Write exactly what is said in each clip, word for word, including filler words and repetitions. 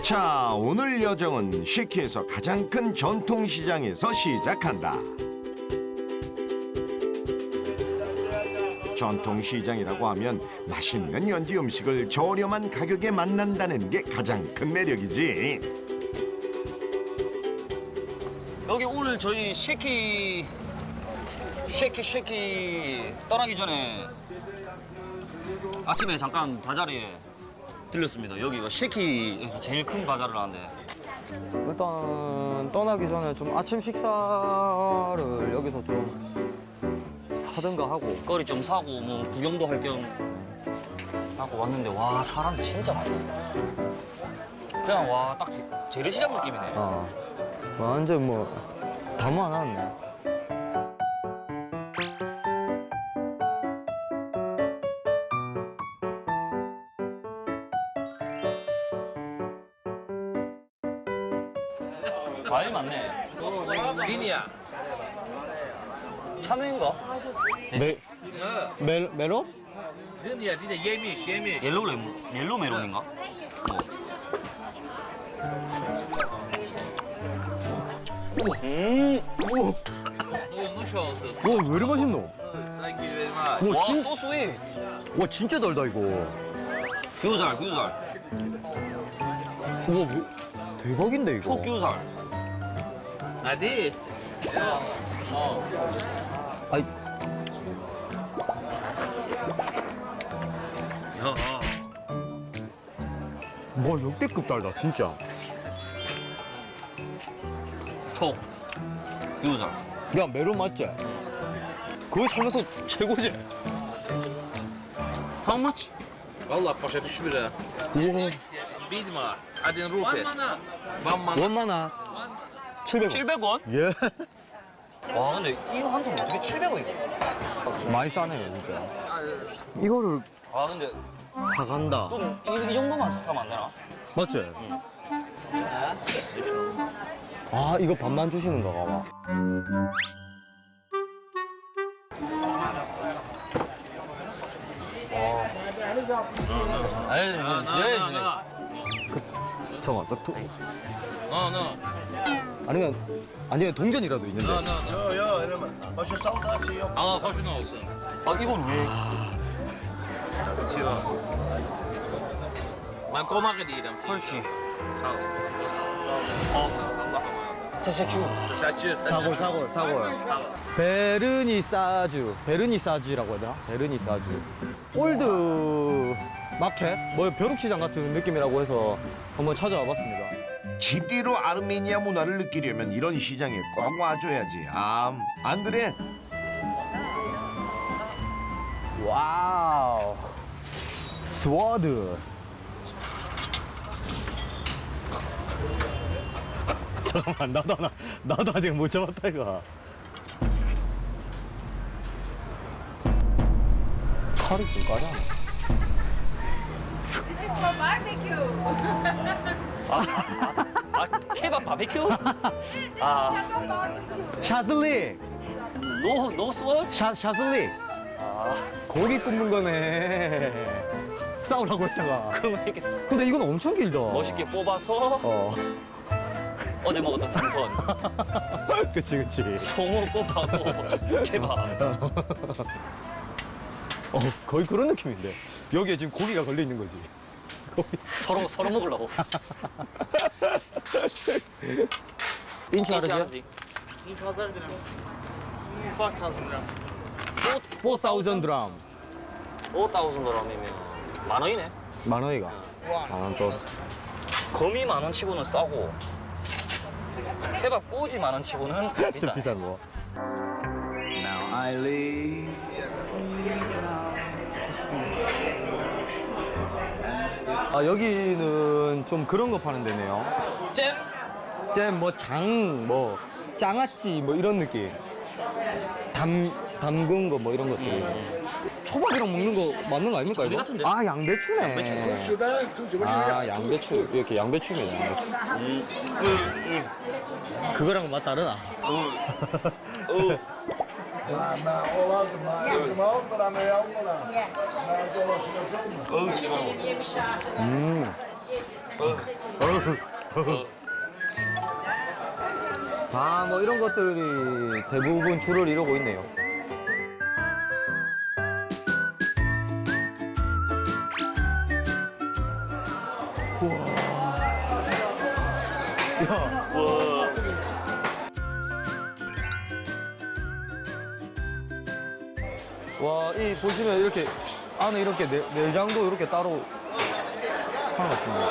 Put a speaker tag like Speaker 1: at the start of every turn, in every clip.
Speaker 1: 자, 오늘 여정은 쉐키에서 가장 큰 전통시장에서 시작한다. 전통시장이라고 하면 맛있는 현지 음식을 저렴한 가격에 만난다는 게 가장 큰 매력이지.
Speaker 2: 여기 오늘 저희 쉐키 쉐키 쉐키 떠나기 전에 아침에 잠깐 바자리에 들렸습니다. 여기가 쉐키에서 제일 큰 바자를 하는데
Speaker 3: 일단 떠나기 전에 좀 아침 식사를 여기서 좀 사든가 하고.
Speaker 2: 거리 좀 사고 뭐 구경도 할 겸 하고 왔는데 와 사람 진짜 많네. 그냥 와 딱 재래시장 느낌이네.
Speaker 3: 어. 완전 뭐 다무 안 왔네.
Speaker 2: 과일 많네.
Speaker 4: Dinia.
Speaker 2: 참외인가?
Speaker 3: 메, 메, 메론?
Speaker 4: Dinia, dinia, yemiş, yemiş.
Speaker 2: 옐로우 레몬, 옐로우 메론인가? 뭐. 음, 오,
Speaker 4: Olmuş olsun.
Speaker 3: 와, 왜 이리 맛있노?
Speaker 4: Thank you very much.
Speaker 3: 와,
Speaker 2: 와,
Speaker 3: 진,
Speaker 2: 소스윗.
Speaker 3: 와, 진짜 달다, 이거.
Speaker 2: 교살, 교살,
Speaker 3: 우와, 뭐, 대박인데, 이거.
Speaker 2: 초교살.
Speaker 4: Hadi.
Speaker 3: 아이,
Speaker 2: 야,
Speaker 3: 와, 역대급 달다, 진짜.
Speaker 2: 초, 교살.
Speaker 3: 야, 메론 맞지? 그거 살면서 최고지?
Speaker 2: How much?
Speaker 4: Vallahi paşa düşmüyor.
Speaker 3: 우와,
Speaker 4: Bilma. Hadi rupi. One man.
Speaker 3: 원만하. 칠백 원.
Speaker 2: 칠백 원?
Speaker 3: 예.
Speaker 2: 와, 근데 이거 한 통 어떻게 칠백 원이야?
Speaker 3: 많이 싸네요, 진짜. 이거를
Speaker 2: 아, 근데
Speaker 3: 사간다.
Speaker 2: 좀 이, 이 정도만 사면 안 되나?
Speaker 3: 맞지? 아, 이거 반만 주시는 거가 봐.
Speaker 2: 아니,
Speaker 4: No, no,
Speaker 2: 예,
Speaker 4: no, no.
Speaker 3: 잠깐만, 나 도,
Speaker 4: No, no.
Speaker 3: 아니면, 아니면 동전이라도 있는데.
Speaker 4: No, no, no.
Speaker 5: Yo, yo, helemaal. Als je zout had, zie je op.
Speaker 4: Allah hoşun olsun.
Speaker 2: 아, 이건 왜?
Speaker 4: Içiyor. Ben komak edeyim sana.
Speaker 2: 헐키.
Speaker 4: Sağ ol. Allah'a emanet.
Speaker 2: 제시큐.
Speaker 4: Teşekkür,
Speaker 3: 사골,
Speaker 4: teşekkür.
Speaker 3: 사골, 사골.
Speaker 4: Sağ ol.
Speaker 3: 베르니사주, 베르니사주라고 해야 되나? 베르니사주. 올드 마켓? 뭐 벼룩시장 같은 느낌이라고 해서 한번 찾아와 봤습니다.
Speaker 1: 제대로 아르메니아 문화를 느끼려면 이런 시장에 꼭 와줘야지. 아, 안 그래?
Speaker 3: 와우. 스워드. 잠깐만, 나도 하나, 나도 아직 못 잡았다, 이거. 칼이 좀 까잖아.
Speaker 6: This is for barbecue.
Speaker 2: 아, 케밥 바베큐?
Speaker 6: 아.
Speaker 3: 샤슬릭!
Speaker 2: 노, 노 스월?
Speaker 3: 샤, 샤슬릭!
Speaker 2: 아,
Speaker 3: 고기 굽는 거네. 싸우라고 했다가.
Speaker 2: 그럼 이렇게
Speaker 3: 근데 이건 엄청 길다.
Speaker 2: 멋있게 뽑아서
Speaker 3: 어.
Speaker 2: 어제 먹었던 생선,
Speaker 3: 그치, 그치.
Speaker 2: 송어 꼽하고 케밥.
Speaker 3: 어, 거의 그런 느낌인데. 여기에 지금 고기가 걸려 있는 거지. 고기.
Speaker 2: 서로 서로 먹으려고.
Speaker 3: 인치
Speaker 2: 인치
Speaker 3: 하르지?
Speaker 2: 하지.
Speaker 3: 사천 드람.
Speaker 2: 오타우슨 드럼이면 만 원이네.
Speaker 3: 만 원이가. 만 원 또.
Speaker 2: 거미 만 원 치고는 싸고 케밥 꼬지 만 원 치고는
Speaker 3: 진짜
Speaker 2: 비싸.
Speaker 3: 비싼 거. 아, 여기는 좀 그런 거 파는 데네요.
Speaker 2: 잼?
Speaker 3: 잼, 뭐, 장, 뭐, 장아찌, 뭐, 이런 느낌. 담, 담근 거, 뭐, 이런 것들. 초밥이랑 먹는 거 맞는 거 아닙니까, 이거?
Speaker 2: 같은데?
Speaker 3: 아, 양배추네.
Speaker 2: 양배추.
Speaker 3: 아, 양배추. 이렇게 양배추네, 양배추. 그거랑 맛 다르나?
Speaker 2: 어.
Speaker 5: Maar, maar Holland, maar is hem ook, maar dan ben je ook wel aan. Maar het is wel als je dat zo doet.
Speaker 2: 어우, 씨발.
Speaker 3: 음. 아, 뭐 이런 것들이 대부분 줄을 이루고 있네요. 와, 이 보시면 이렇게 안에 이렇게 내, 내장도 이렇게 따로 하나 있습니다.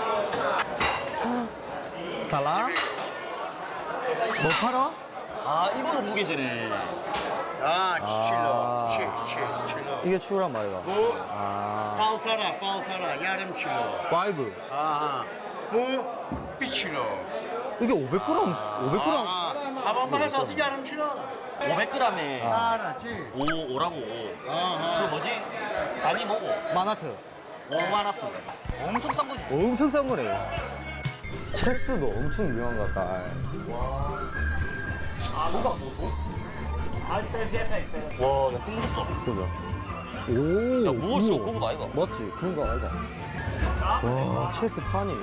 Speaker 3: 살라? 뭐 팔아?
Speaker 2: 아 이걸로 무게 재네.
Speaker 7: Ah,
Speaker 3: 아.
Speaker 7: kilo. Çek, çek, kilo.
Speaker 3: 이게 추란 말이야.
Speaker 7: Bu
Speaker 3: 아,
Speaker 7: paltara, paltara, yarım kilo.
Speaker 3: 파이브.
Speaker 7: Aha. Bu bir kilo.
Speaker 3: 이게 오백 그램, 오백 그램.
Speaker 7: Aha. Tamam bana satı yarım kilo.
Speaker 2: 오백 그램에
Speaker 7: Ara, çek.
Speaker 2: 오 오라고. 그
Speaker 7: Aha.
Speaker 2: 뭐지? 단위 뭐고?
Speaker 3: 마나트.
Speaker 2: 오마나트. 엄청 싼 거지.
Speaker 3: 엄청 싼 거네. 체스도 엄청 유명한 것 같다.
Speaker 2: 와, 야, 무섭다.
Speaker 3: 그죠? 오.
Speaker 2: 야, 무거울수록
Speaker 3: 우와.
Speaker 2: 고급 아이가?
Speaker 3: 맞지? 그런 거 아이가? 와, 체스 판이.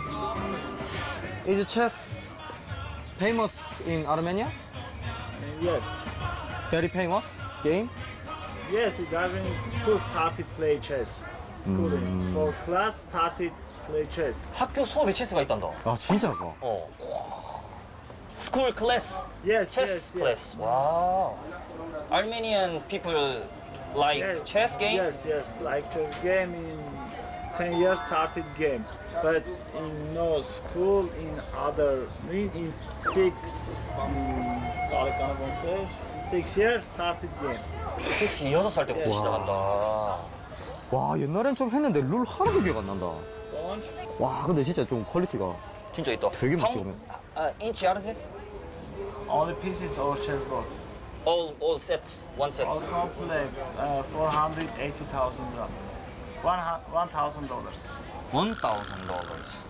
Speaker 3: Is chess famous in Armenia?
Speaker 8: Yes,
Speaker 3: Very famous game?
Speaker 8: yes. It doesn't. School started play chess. Schooling for class started play chess.
Speaker 2: 학교 수업에 체스가 있단다.
Speaker 3: 아, 진짜가?
Speaker 2: 어. 스쿨 클래스.
Speaker 8: Yes,
Speaker 2: 체스
Speaker 8: yes, yes.
Speaker 2: 클래스. 와. Armenian people like
Speaker 8: Yes,
Speaker 2: chess game?
Speaker 8: Yes, yes. Like chess game in ten years started game, but in no school in other in, in six. Um, six years started game.
Speaker 2: 섹시 여섯 살 때부터 시작한다.
Speaker 3: 와, 옛날엔 좀 했는데 룰 하나도 기억 안 난다. 와, 근데 진짜 좀 퀄리티가
Speaker 2: 진짜 있다.
Speaker 3: 되게
Speaker 2: 한-
Speaker 3: 멋지네.
Speaker 2: 아, 인치 알아지?
Speaker 8: All the pieces or chessboard.
Speaker 2: All all set. One set.
Speaker 8: All complete. Uh, four hundred eighty thousand gram. One one thousand dollars.
Speaker 2: One thousand dollars.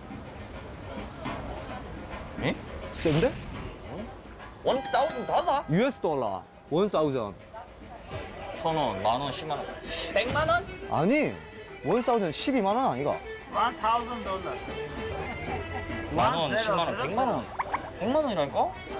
Speaker 2: 예?
Speaker 3: 센데?
Speaker 2: One thousand 달러?
Speaker 3: 유에스 달러. 원 사우전.
Speaker 2: 천 원, 만 원, 십만 원. 백만 원?
Speaker 3: 아니, 원 사우전 십이만 원 아니가?
Speaker 8: One thousand dollars.
Speaker 2: 만 원, 십만 원, 백만 원. 백만 원이라니까?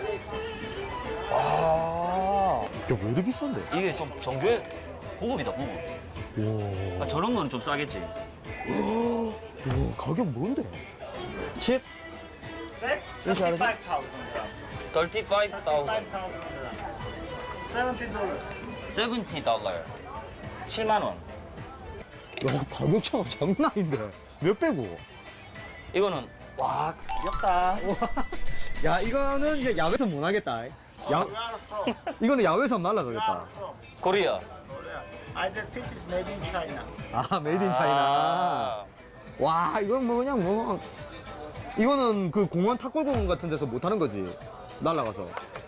Speaker 2: 와.
Speaker 3: 야, 왜 이렇게 비싼데?
Speaker 2: 이게 좀 정교해. 고급이다, 고급.
Speaker 3: 와,
Speaker 2: 아, 저런 거는 좀 싸겠지.
Speaker 3: 와, 가격 뭔데? 칩?
Speaker 8: Thirty-five thousand gram.
Speaker 2: thirty-five
Speaker 8: Five
Speaker 2: thousand.
Speaker 8: thousand gram. Seventy dollars.
Speaker 2: seventy 달러. 칠만 원.
Speaker 3: 야, 가격 차가 장난 아닌데. 몇 배고?
Speaker 2: 이거는 와, 귀엽다.
Speaker 3: 야, 이거는 이제 야외에서 못 하겠다. 야, 이거는 야외에서 날라가겠다.
Speaker 2: 코리아.
Speaker 8: I the piece is made in China.
Speaker 3: 아, 메이드 인 차이나. 와, 이건 뭐 그냥 뭐 이거는 그 공원 탁골공원 같은 데서 못 하는 거지. 날라가서.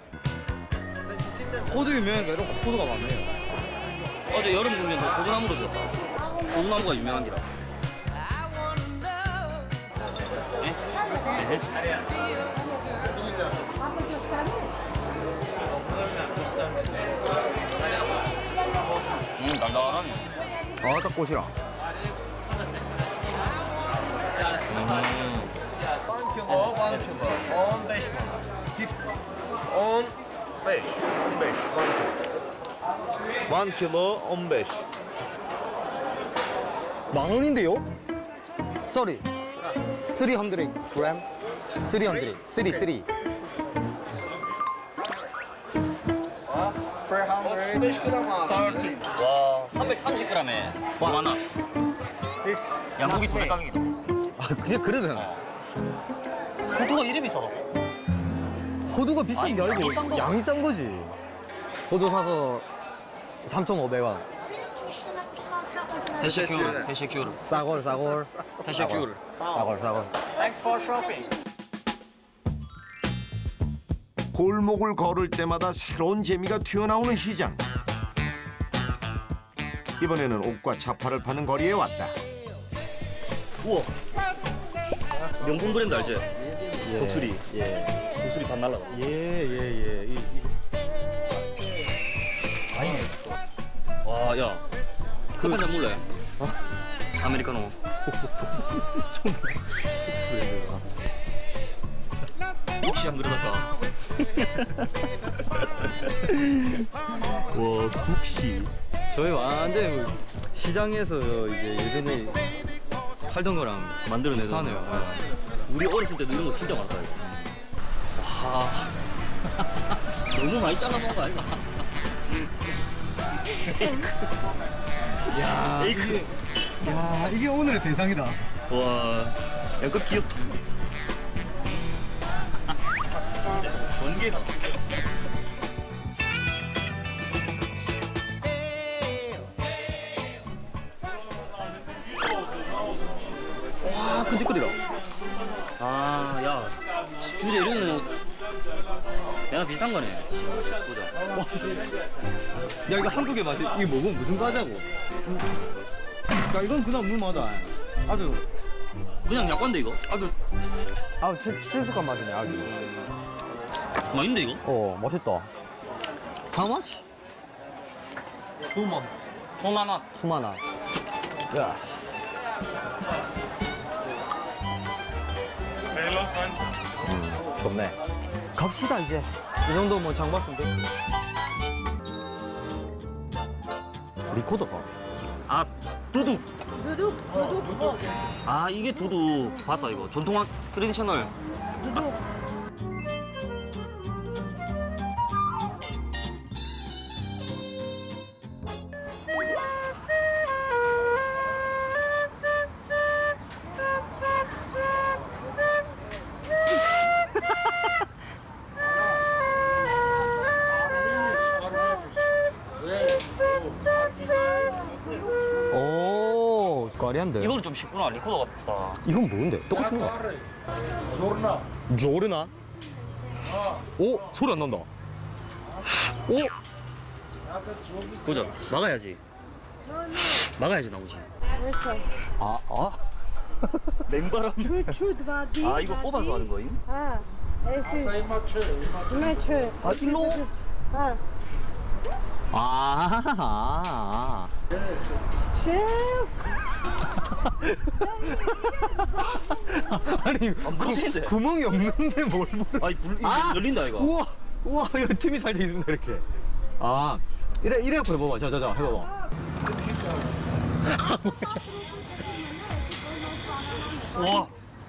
Speaker 3: 호두 유명한 거로 호두가 많네요.
Speaker 2: 어제 여름 공연도 고등나무로 줬다. 고등나무가 유명한 기라. 음, 달달하네.
Speaker 3: 아, 딱 꽃이라.
Speaker 7: on kilo, one kilo. on beş manat. Fifty. on beş. on beş. one kilo. one kilo, on beş.
Speaker 3: 만 원인데요? Sorry. three hundred gram. three hundred. three, three.
Speaker 7: otuz beş gram abi. thirty.
Speaker 2: 와, 삼백삼십 그램에 만 원.
Speaker 7: This
Speaker 2: 양고기 두 배 가격이다.
Speaker 3: 아, 그게 그러면
Speaker 2: 호두가 이래 비싸다.
Speaker 3: 호두가 비싼 게
Speaker 2: 아니,
Speaker 3: 아니고
Speaker 2: 양이 싼 거.
Speaker 3: 양이 싼 거지. 호두 사서 삼천오백 원.
Speaker 2: 대시큐르, 대시큐르,
Speaker 3: 싸골, 싸골.
Speaker 2: 대시큐르.
Speaker 3: 싸골, 싸골.
Speaker 8: Thanks for shopping.
Speaker 1: 골목을 걸을 때마다 새로운 재미가 튀어나오는 시장. 이번에는 옷과 자파를 파는 거리에 왔다.
Speaker 2: 우와. 명품 브랜드 알지?
Speaker 3: 예.
Speaker 2: 독수리.
Speaker 3: 예.
Speaker 2: 독수리 반 날라가.
Speaker 3: 예, 예, 예. 이, 이거.
Speaker 2: 와, 야. 그 한잔 몰래? 아메리카노. 혹시 안 그러다가. 와, 국시.
Speaker 3: 저희 완전 뭐 시장에서 이제 예전에 팔던 거랑
Speaker 2: 만들어내던
Speaker 3: 비슷하네요.
Speaker 2: 거. 우리 어렸을 때도 이런 거 진짜 많았다. 이거. 와. 너무 많이 잘라먹은 거 아닌가?
Speaker 3: 야,
Speaker 2: 에이크.
Speaker 3: 야, 이게 오늘의 대상이다.
Speaker 2: 와, 약간 귀엽다. 번개가.
Speaker 3: 와, 끈적거리다.
Speaker 2: 아, 야, 주제 이런 거 얘랑 비슷한 거네. 보자.
Speaker 3: 야, 이거 한국의 맛이 이게 뭐고 무슨 과자고? 야, 이건 그냥 무마다. 아주
Speaker 2: 그냥 약관데 이거?
Speaker 3: 아주 아, 칠칠숙한 맛이네, 아주.
Speaker 2: 맛있는데 이거?
Speaker 3: 어, 맛있다. How much?
Speaker 2: 투만. 투만 원.
Speaker 3: 투마나. 예스. 음, 좋네. 갑시다 이제. 이 정도 뭐 장 봤으면 됐지. 리코더가.
Speaker 2: 아, 두둑. 두둑, 두둑. 아, 이게 두둑. 봤다 이거. 전통학 트레디셔널.
Speaker 3: 오, 까리한데.
Speaker 2: 이거는 좀 쉽구나. 리코더 같다.
Speaker 3: 이건 뭔데? 똑같은 거.
Speaker 5: Zurna.
Speaker 3: 조르나? 오, 소리 안 난다. 오,
Speaker 2: 보자. 막아야지. 막아야지 나오지.
Speaker 3: 아, 아.
Speaker 2: 냉바람.
Speaker 9: Чуть-чуть воды.
Speaker 2: 아, 이거 뽑아서 하는 거임?
Speaker 9: А, если... Иначе.
Speaker 3: 아, 일로?
Speaker 9: А,
Speaker 3: 아, 아, 아.
Speaker 9: шеф.
Speaker 3: 아니,
Speaker 2: 부러지는데?
Speaker 3: 구, 구멍이 없는데 뭘 볼?
Speaker 2: 아니, 불, 이거
Speaker 3: 아!
Speaker 2: 열린다 이거.
Speaker 3: 우와, 우와, 이거 틈이 살짝 있습니다, 이렇게. 아, 이래, 이래 갖고 해봐봐. 자, 자, 자, 해봐봐.
Speaker 2: 와.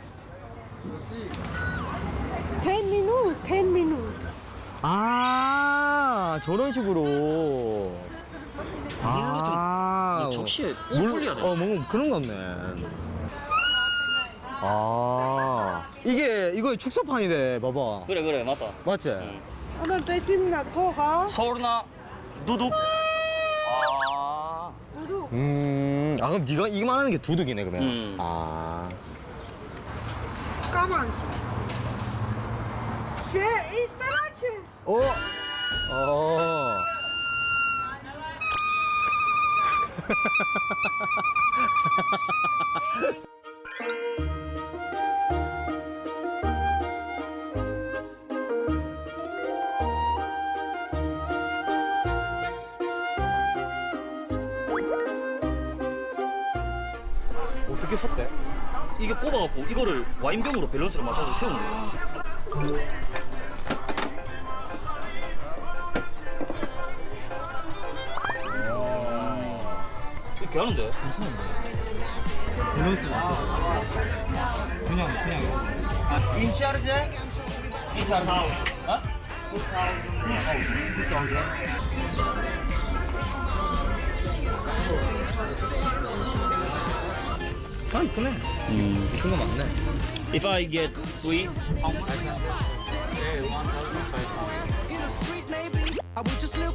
Speaker 9: ten minutes, ten minutes.
Speaker 3: 아, 저런 식으로.
Speaker 2: 물로 좀
Speaker 3: 아,
Speaker 2: 이 접시에 뿔
Speaker 3: 물-
Speaker 2: 풀려야 돼.
Speaker 3: 어, 뭔가 그런 거 같네. 아, 이게, 이거 축소판이래, 봐봐.
Speaker 2: 그래 그래 맞다.
Speaker 3: 맞지?
Speaker 2: 응.
Speaker 9: 오늘 배심 낙토가
Speaker 2: 서울나 두둑. 아.
Speaker 9: 우두.
Speaker 3: 음, 아, 그럼 네가 이거 말하는 게 두둑이네, 그러면.
Speaker 2: 음.
Speaker 3: 아.
Speaker 9: 까만. 셰 이따라치.
Speaker 3: 어? 어. 어떻게 섰대?
Speaker 2: 이게 뽑아갖고 이거를 와인병으로 밸런스를 맞춰서 세우는 거야. 이렇게 하는데?
Speaker 3: 밸런스 그냥 그냥
Speaker 2: 아, 인치아르제? 인치아르제? 어?
Speaker 3: 아 이쁘네. 음, 이쁜 거 맞네.
Speaker 2: If I get three, how much?
Speaker 10: I would just look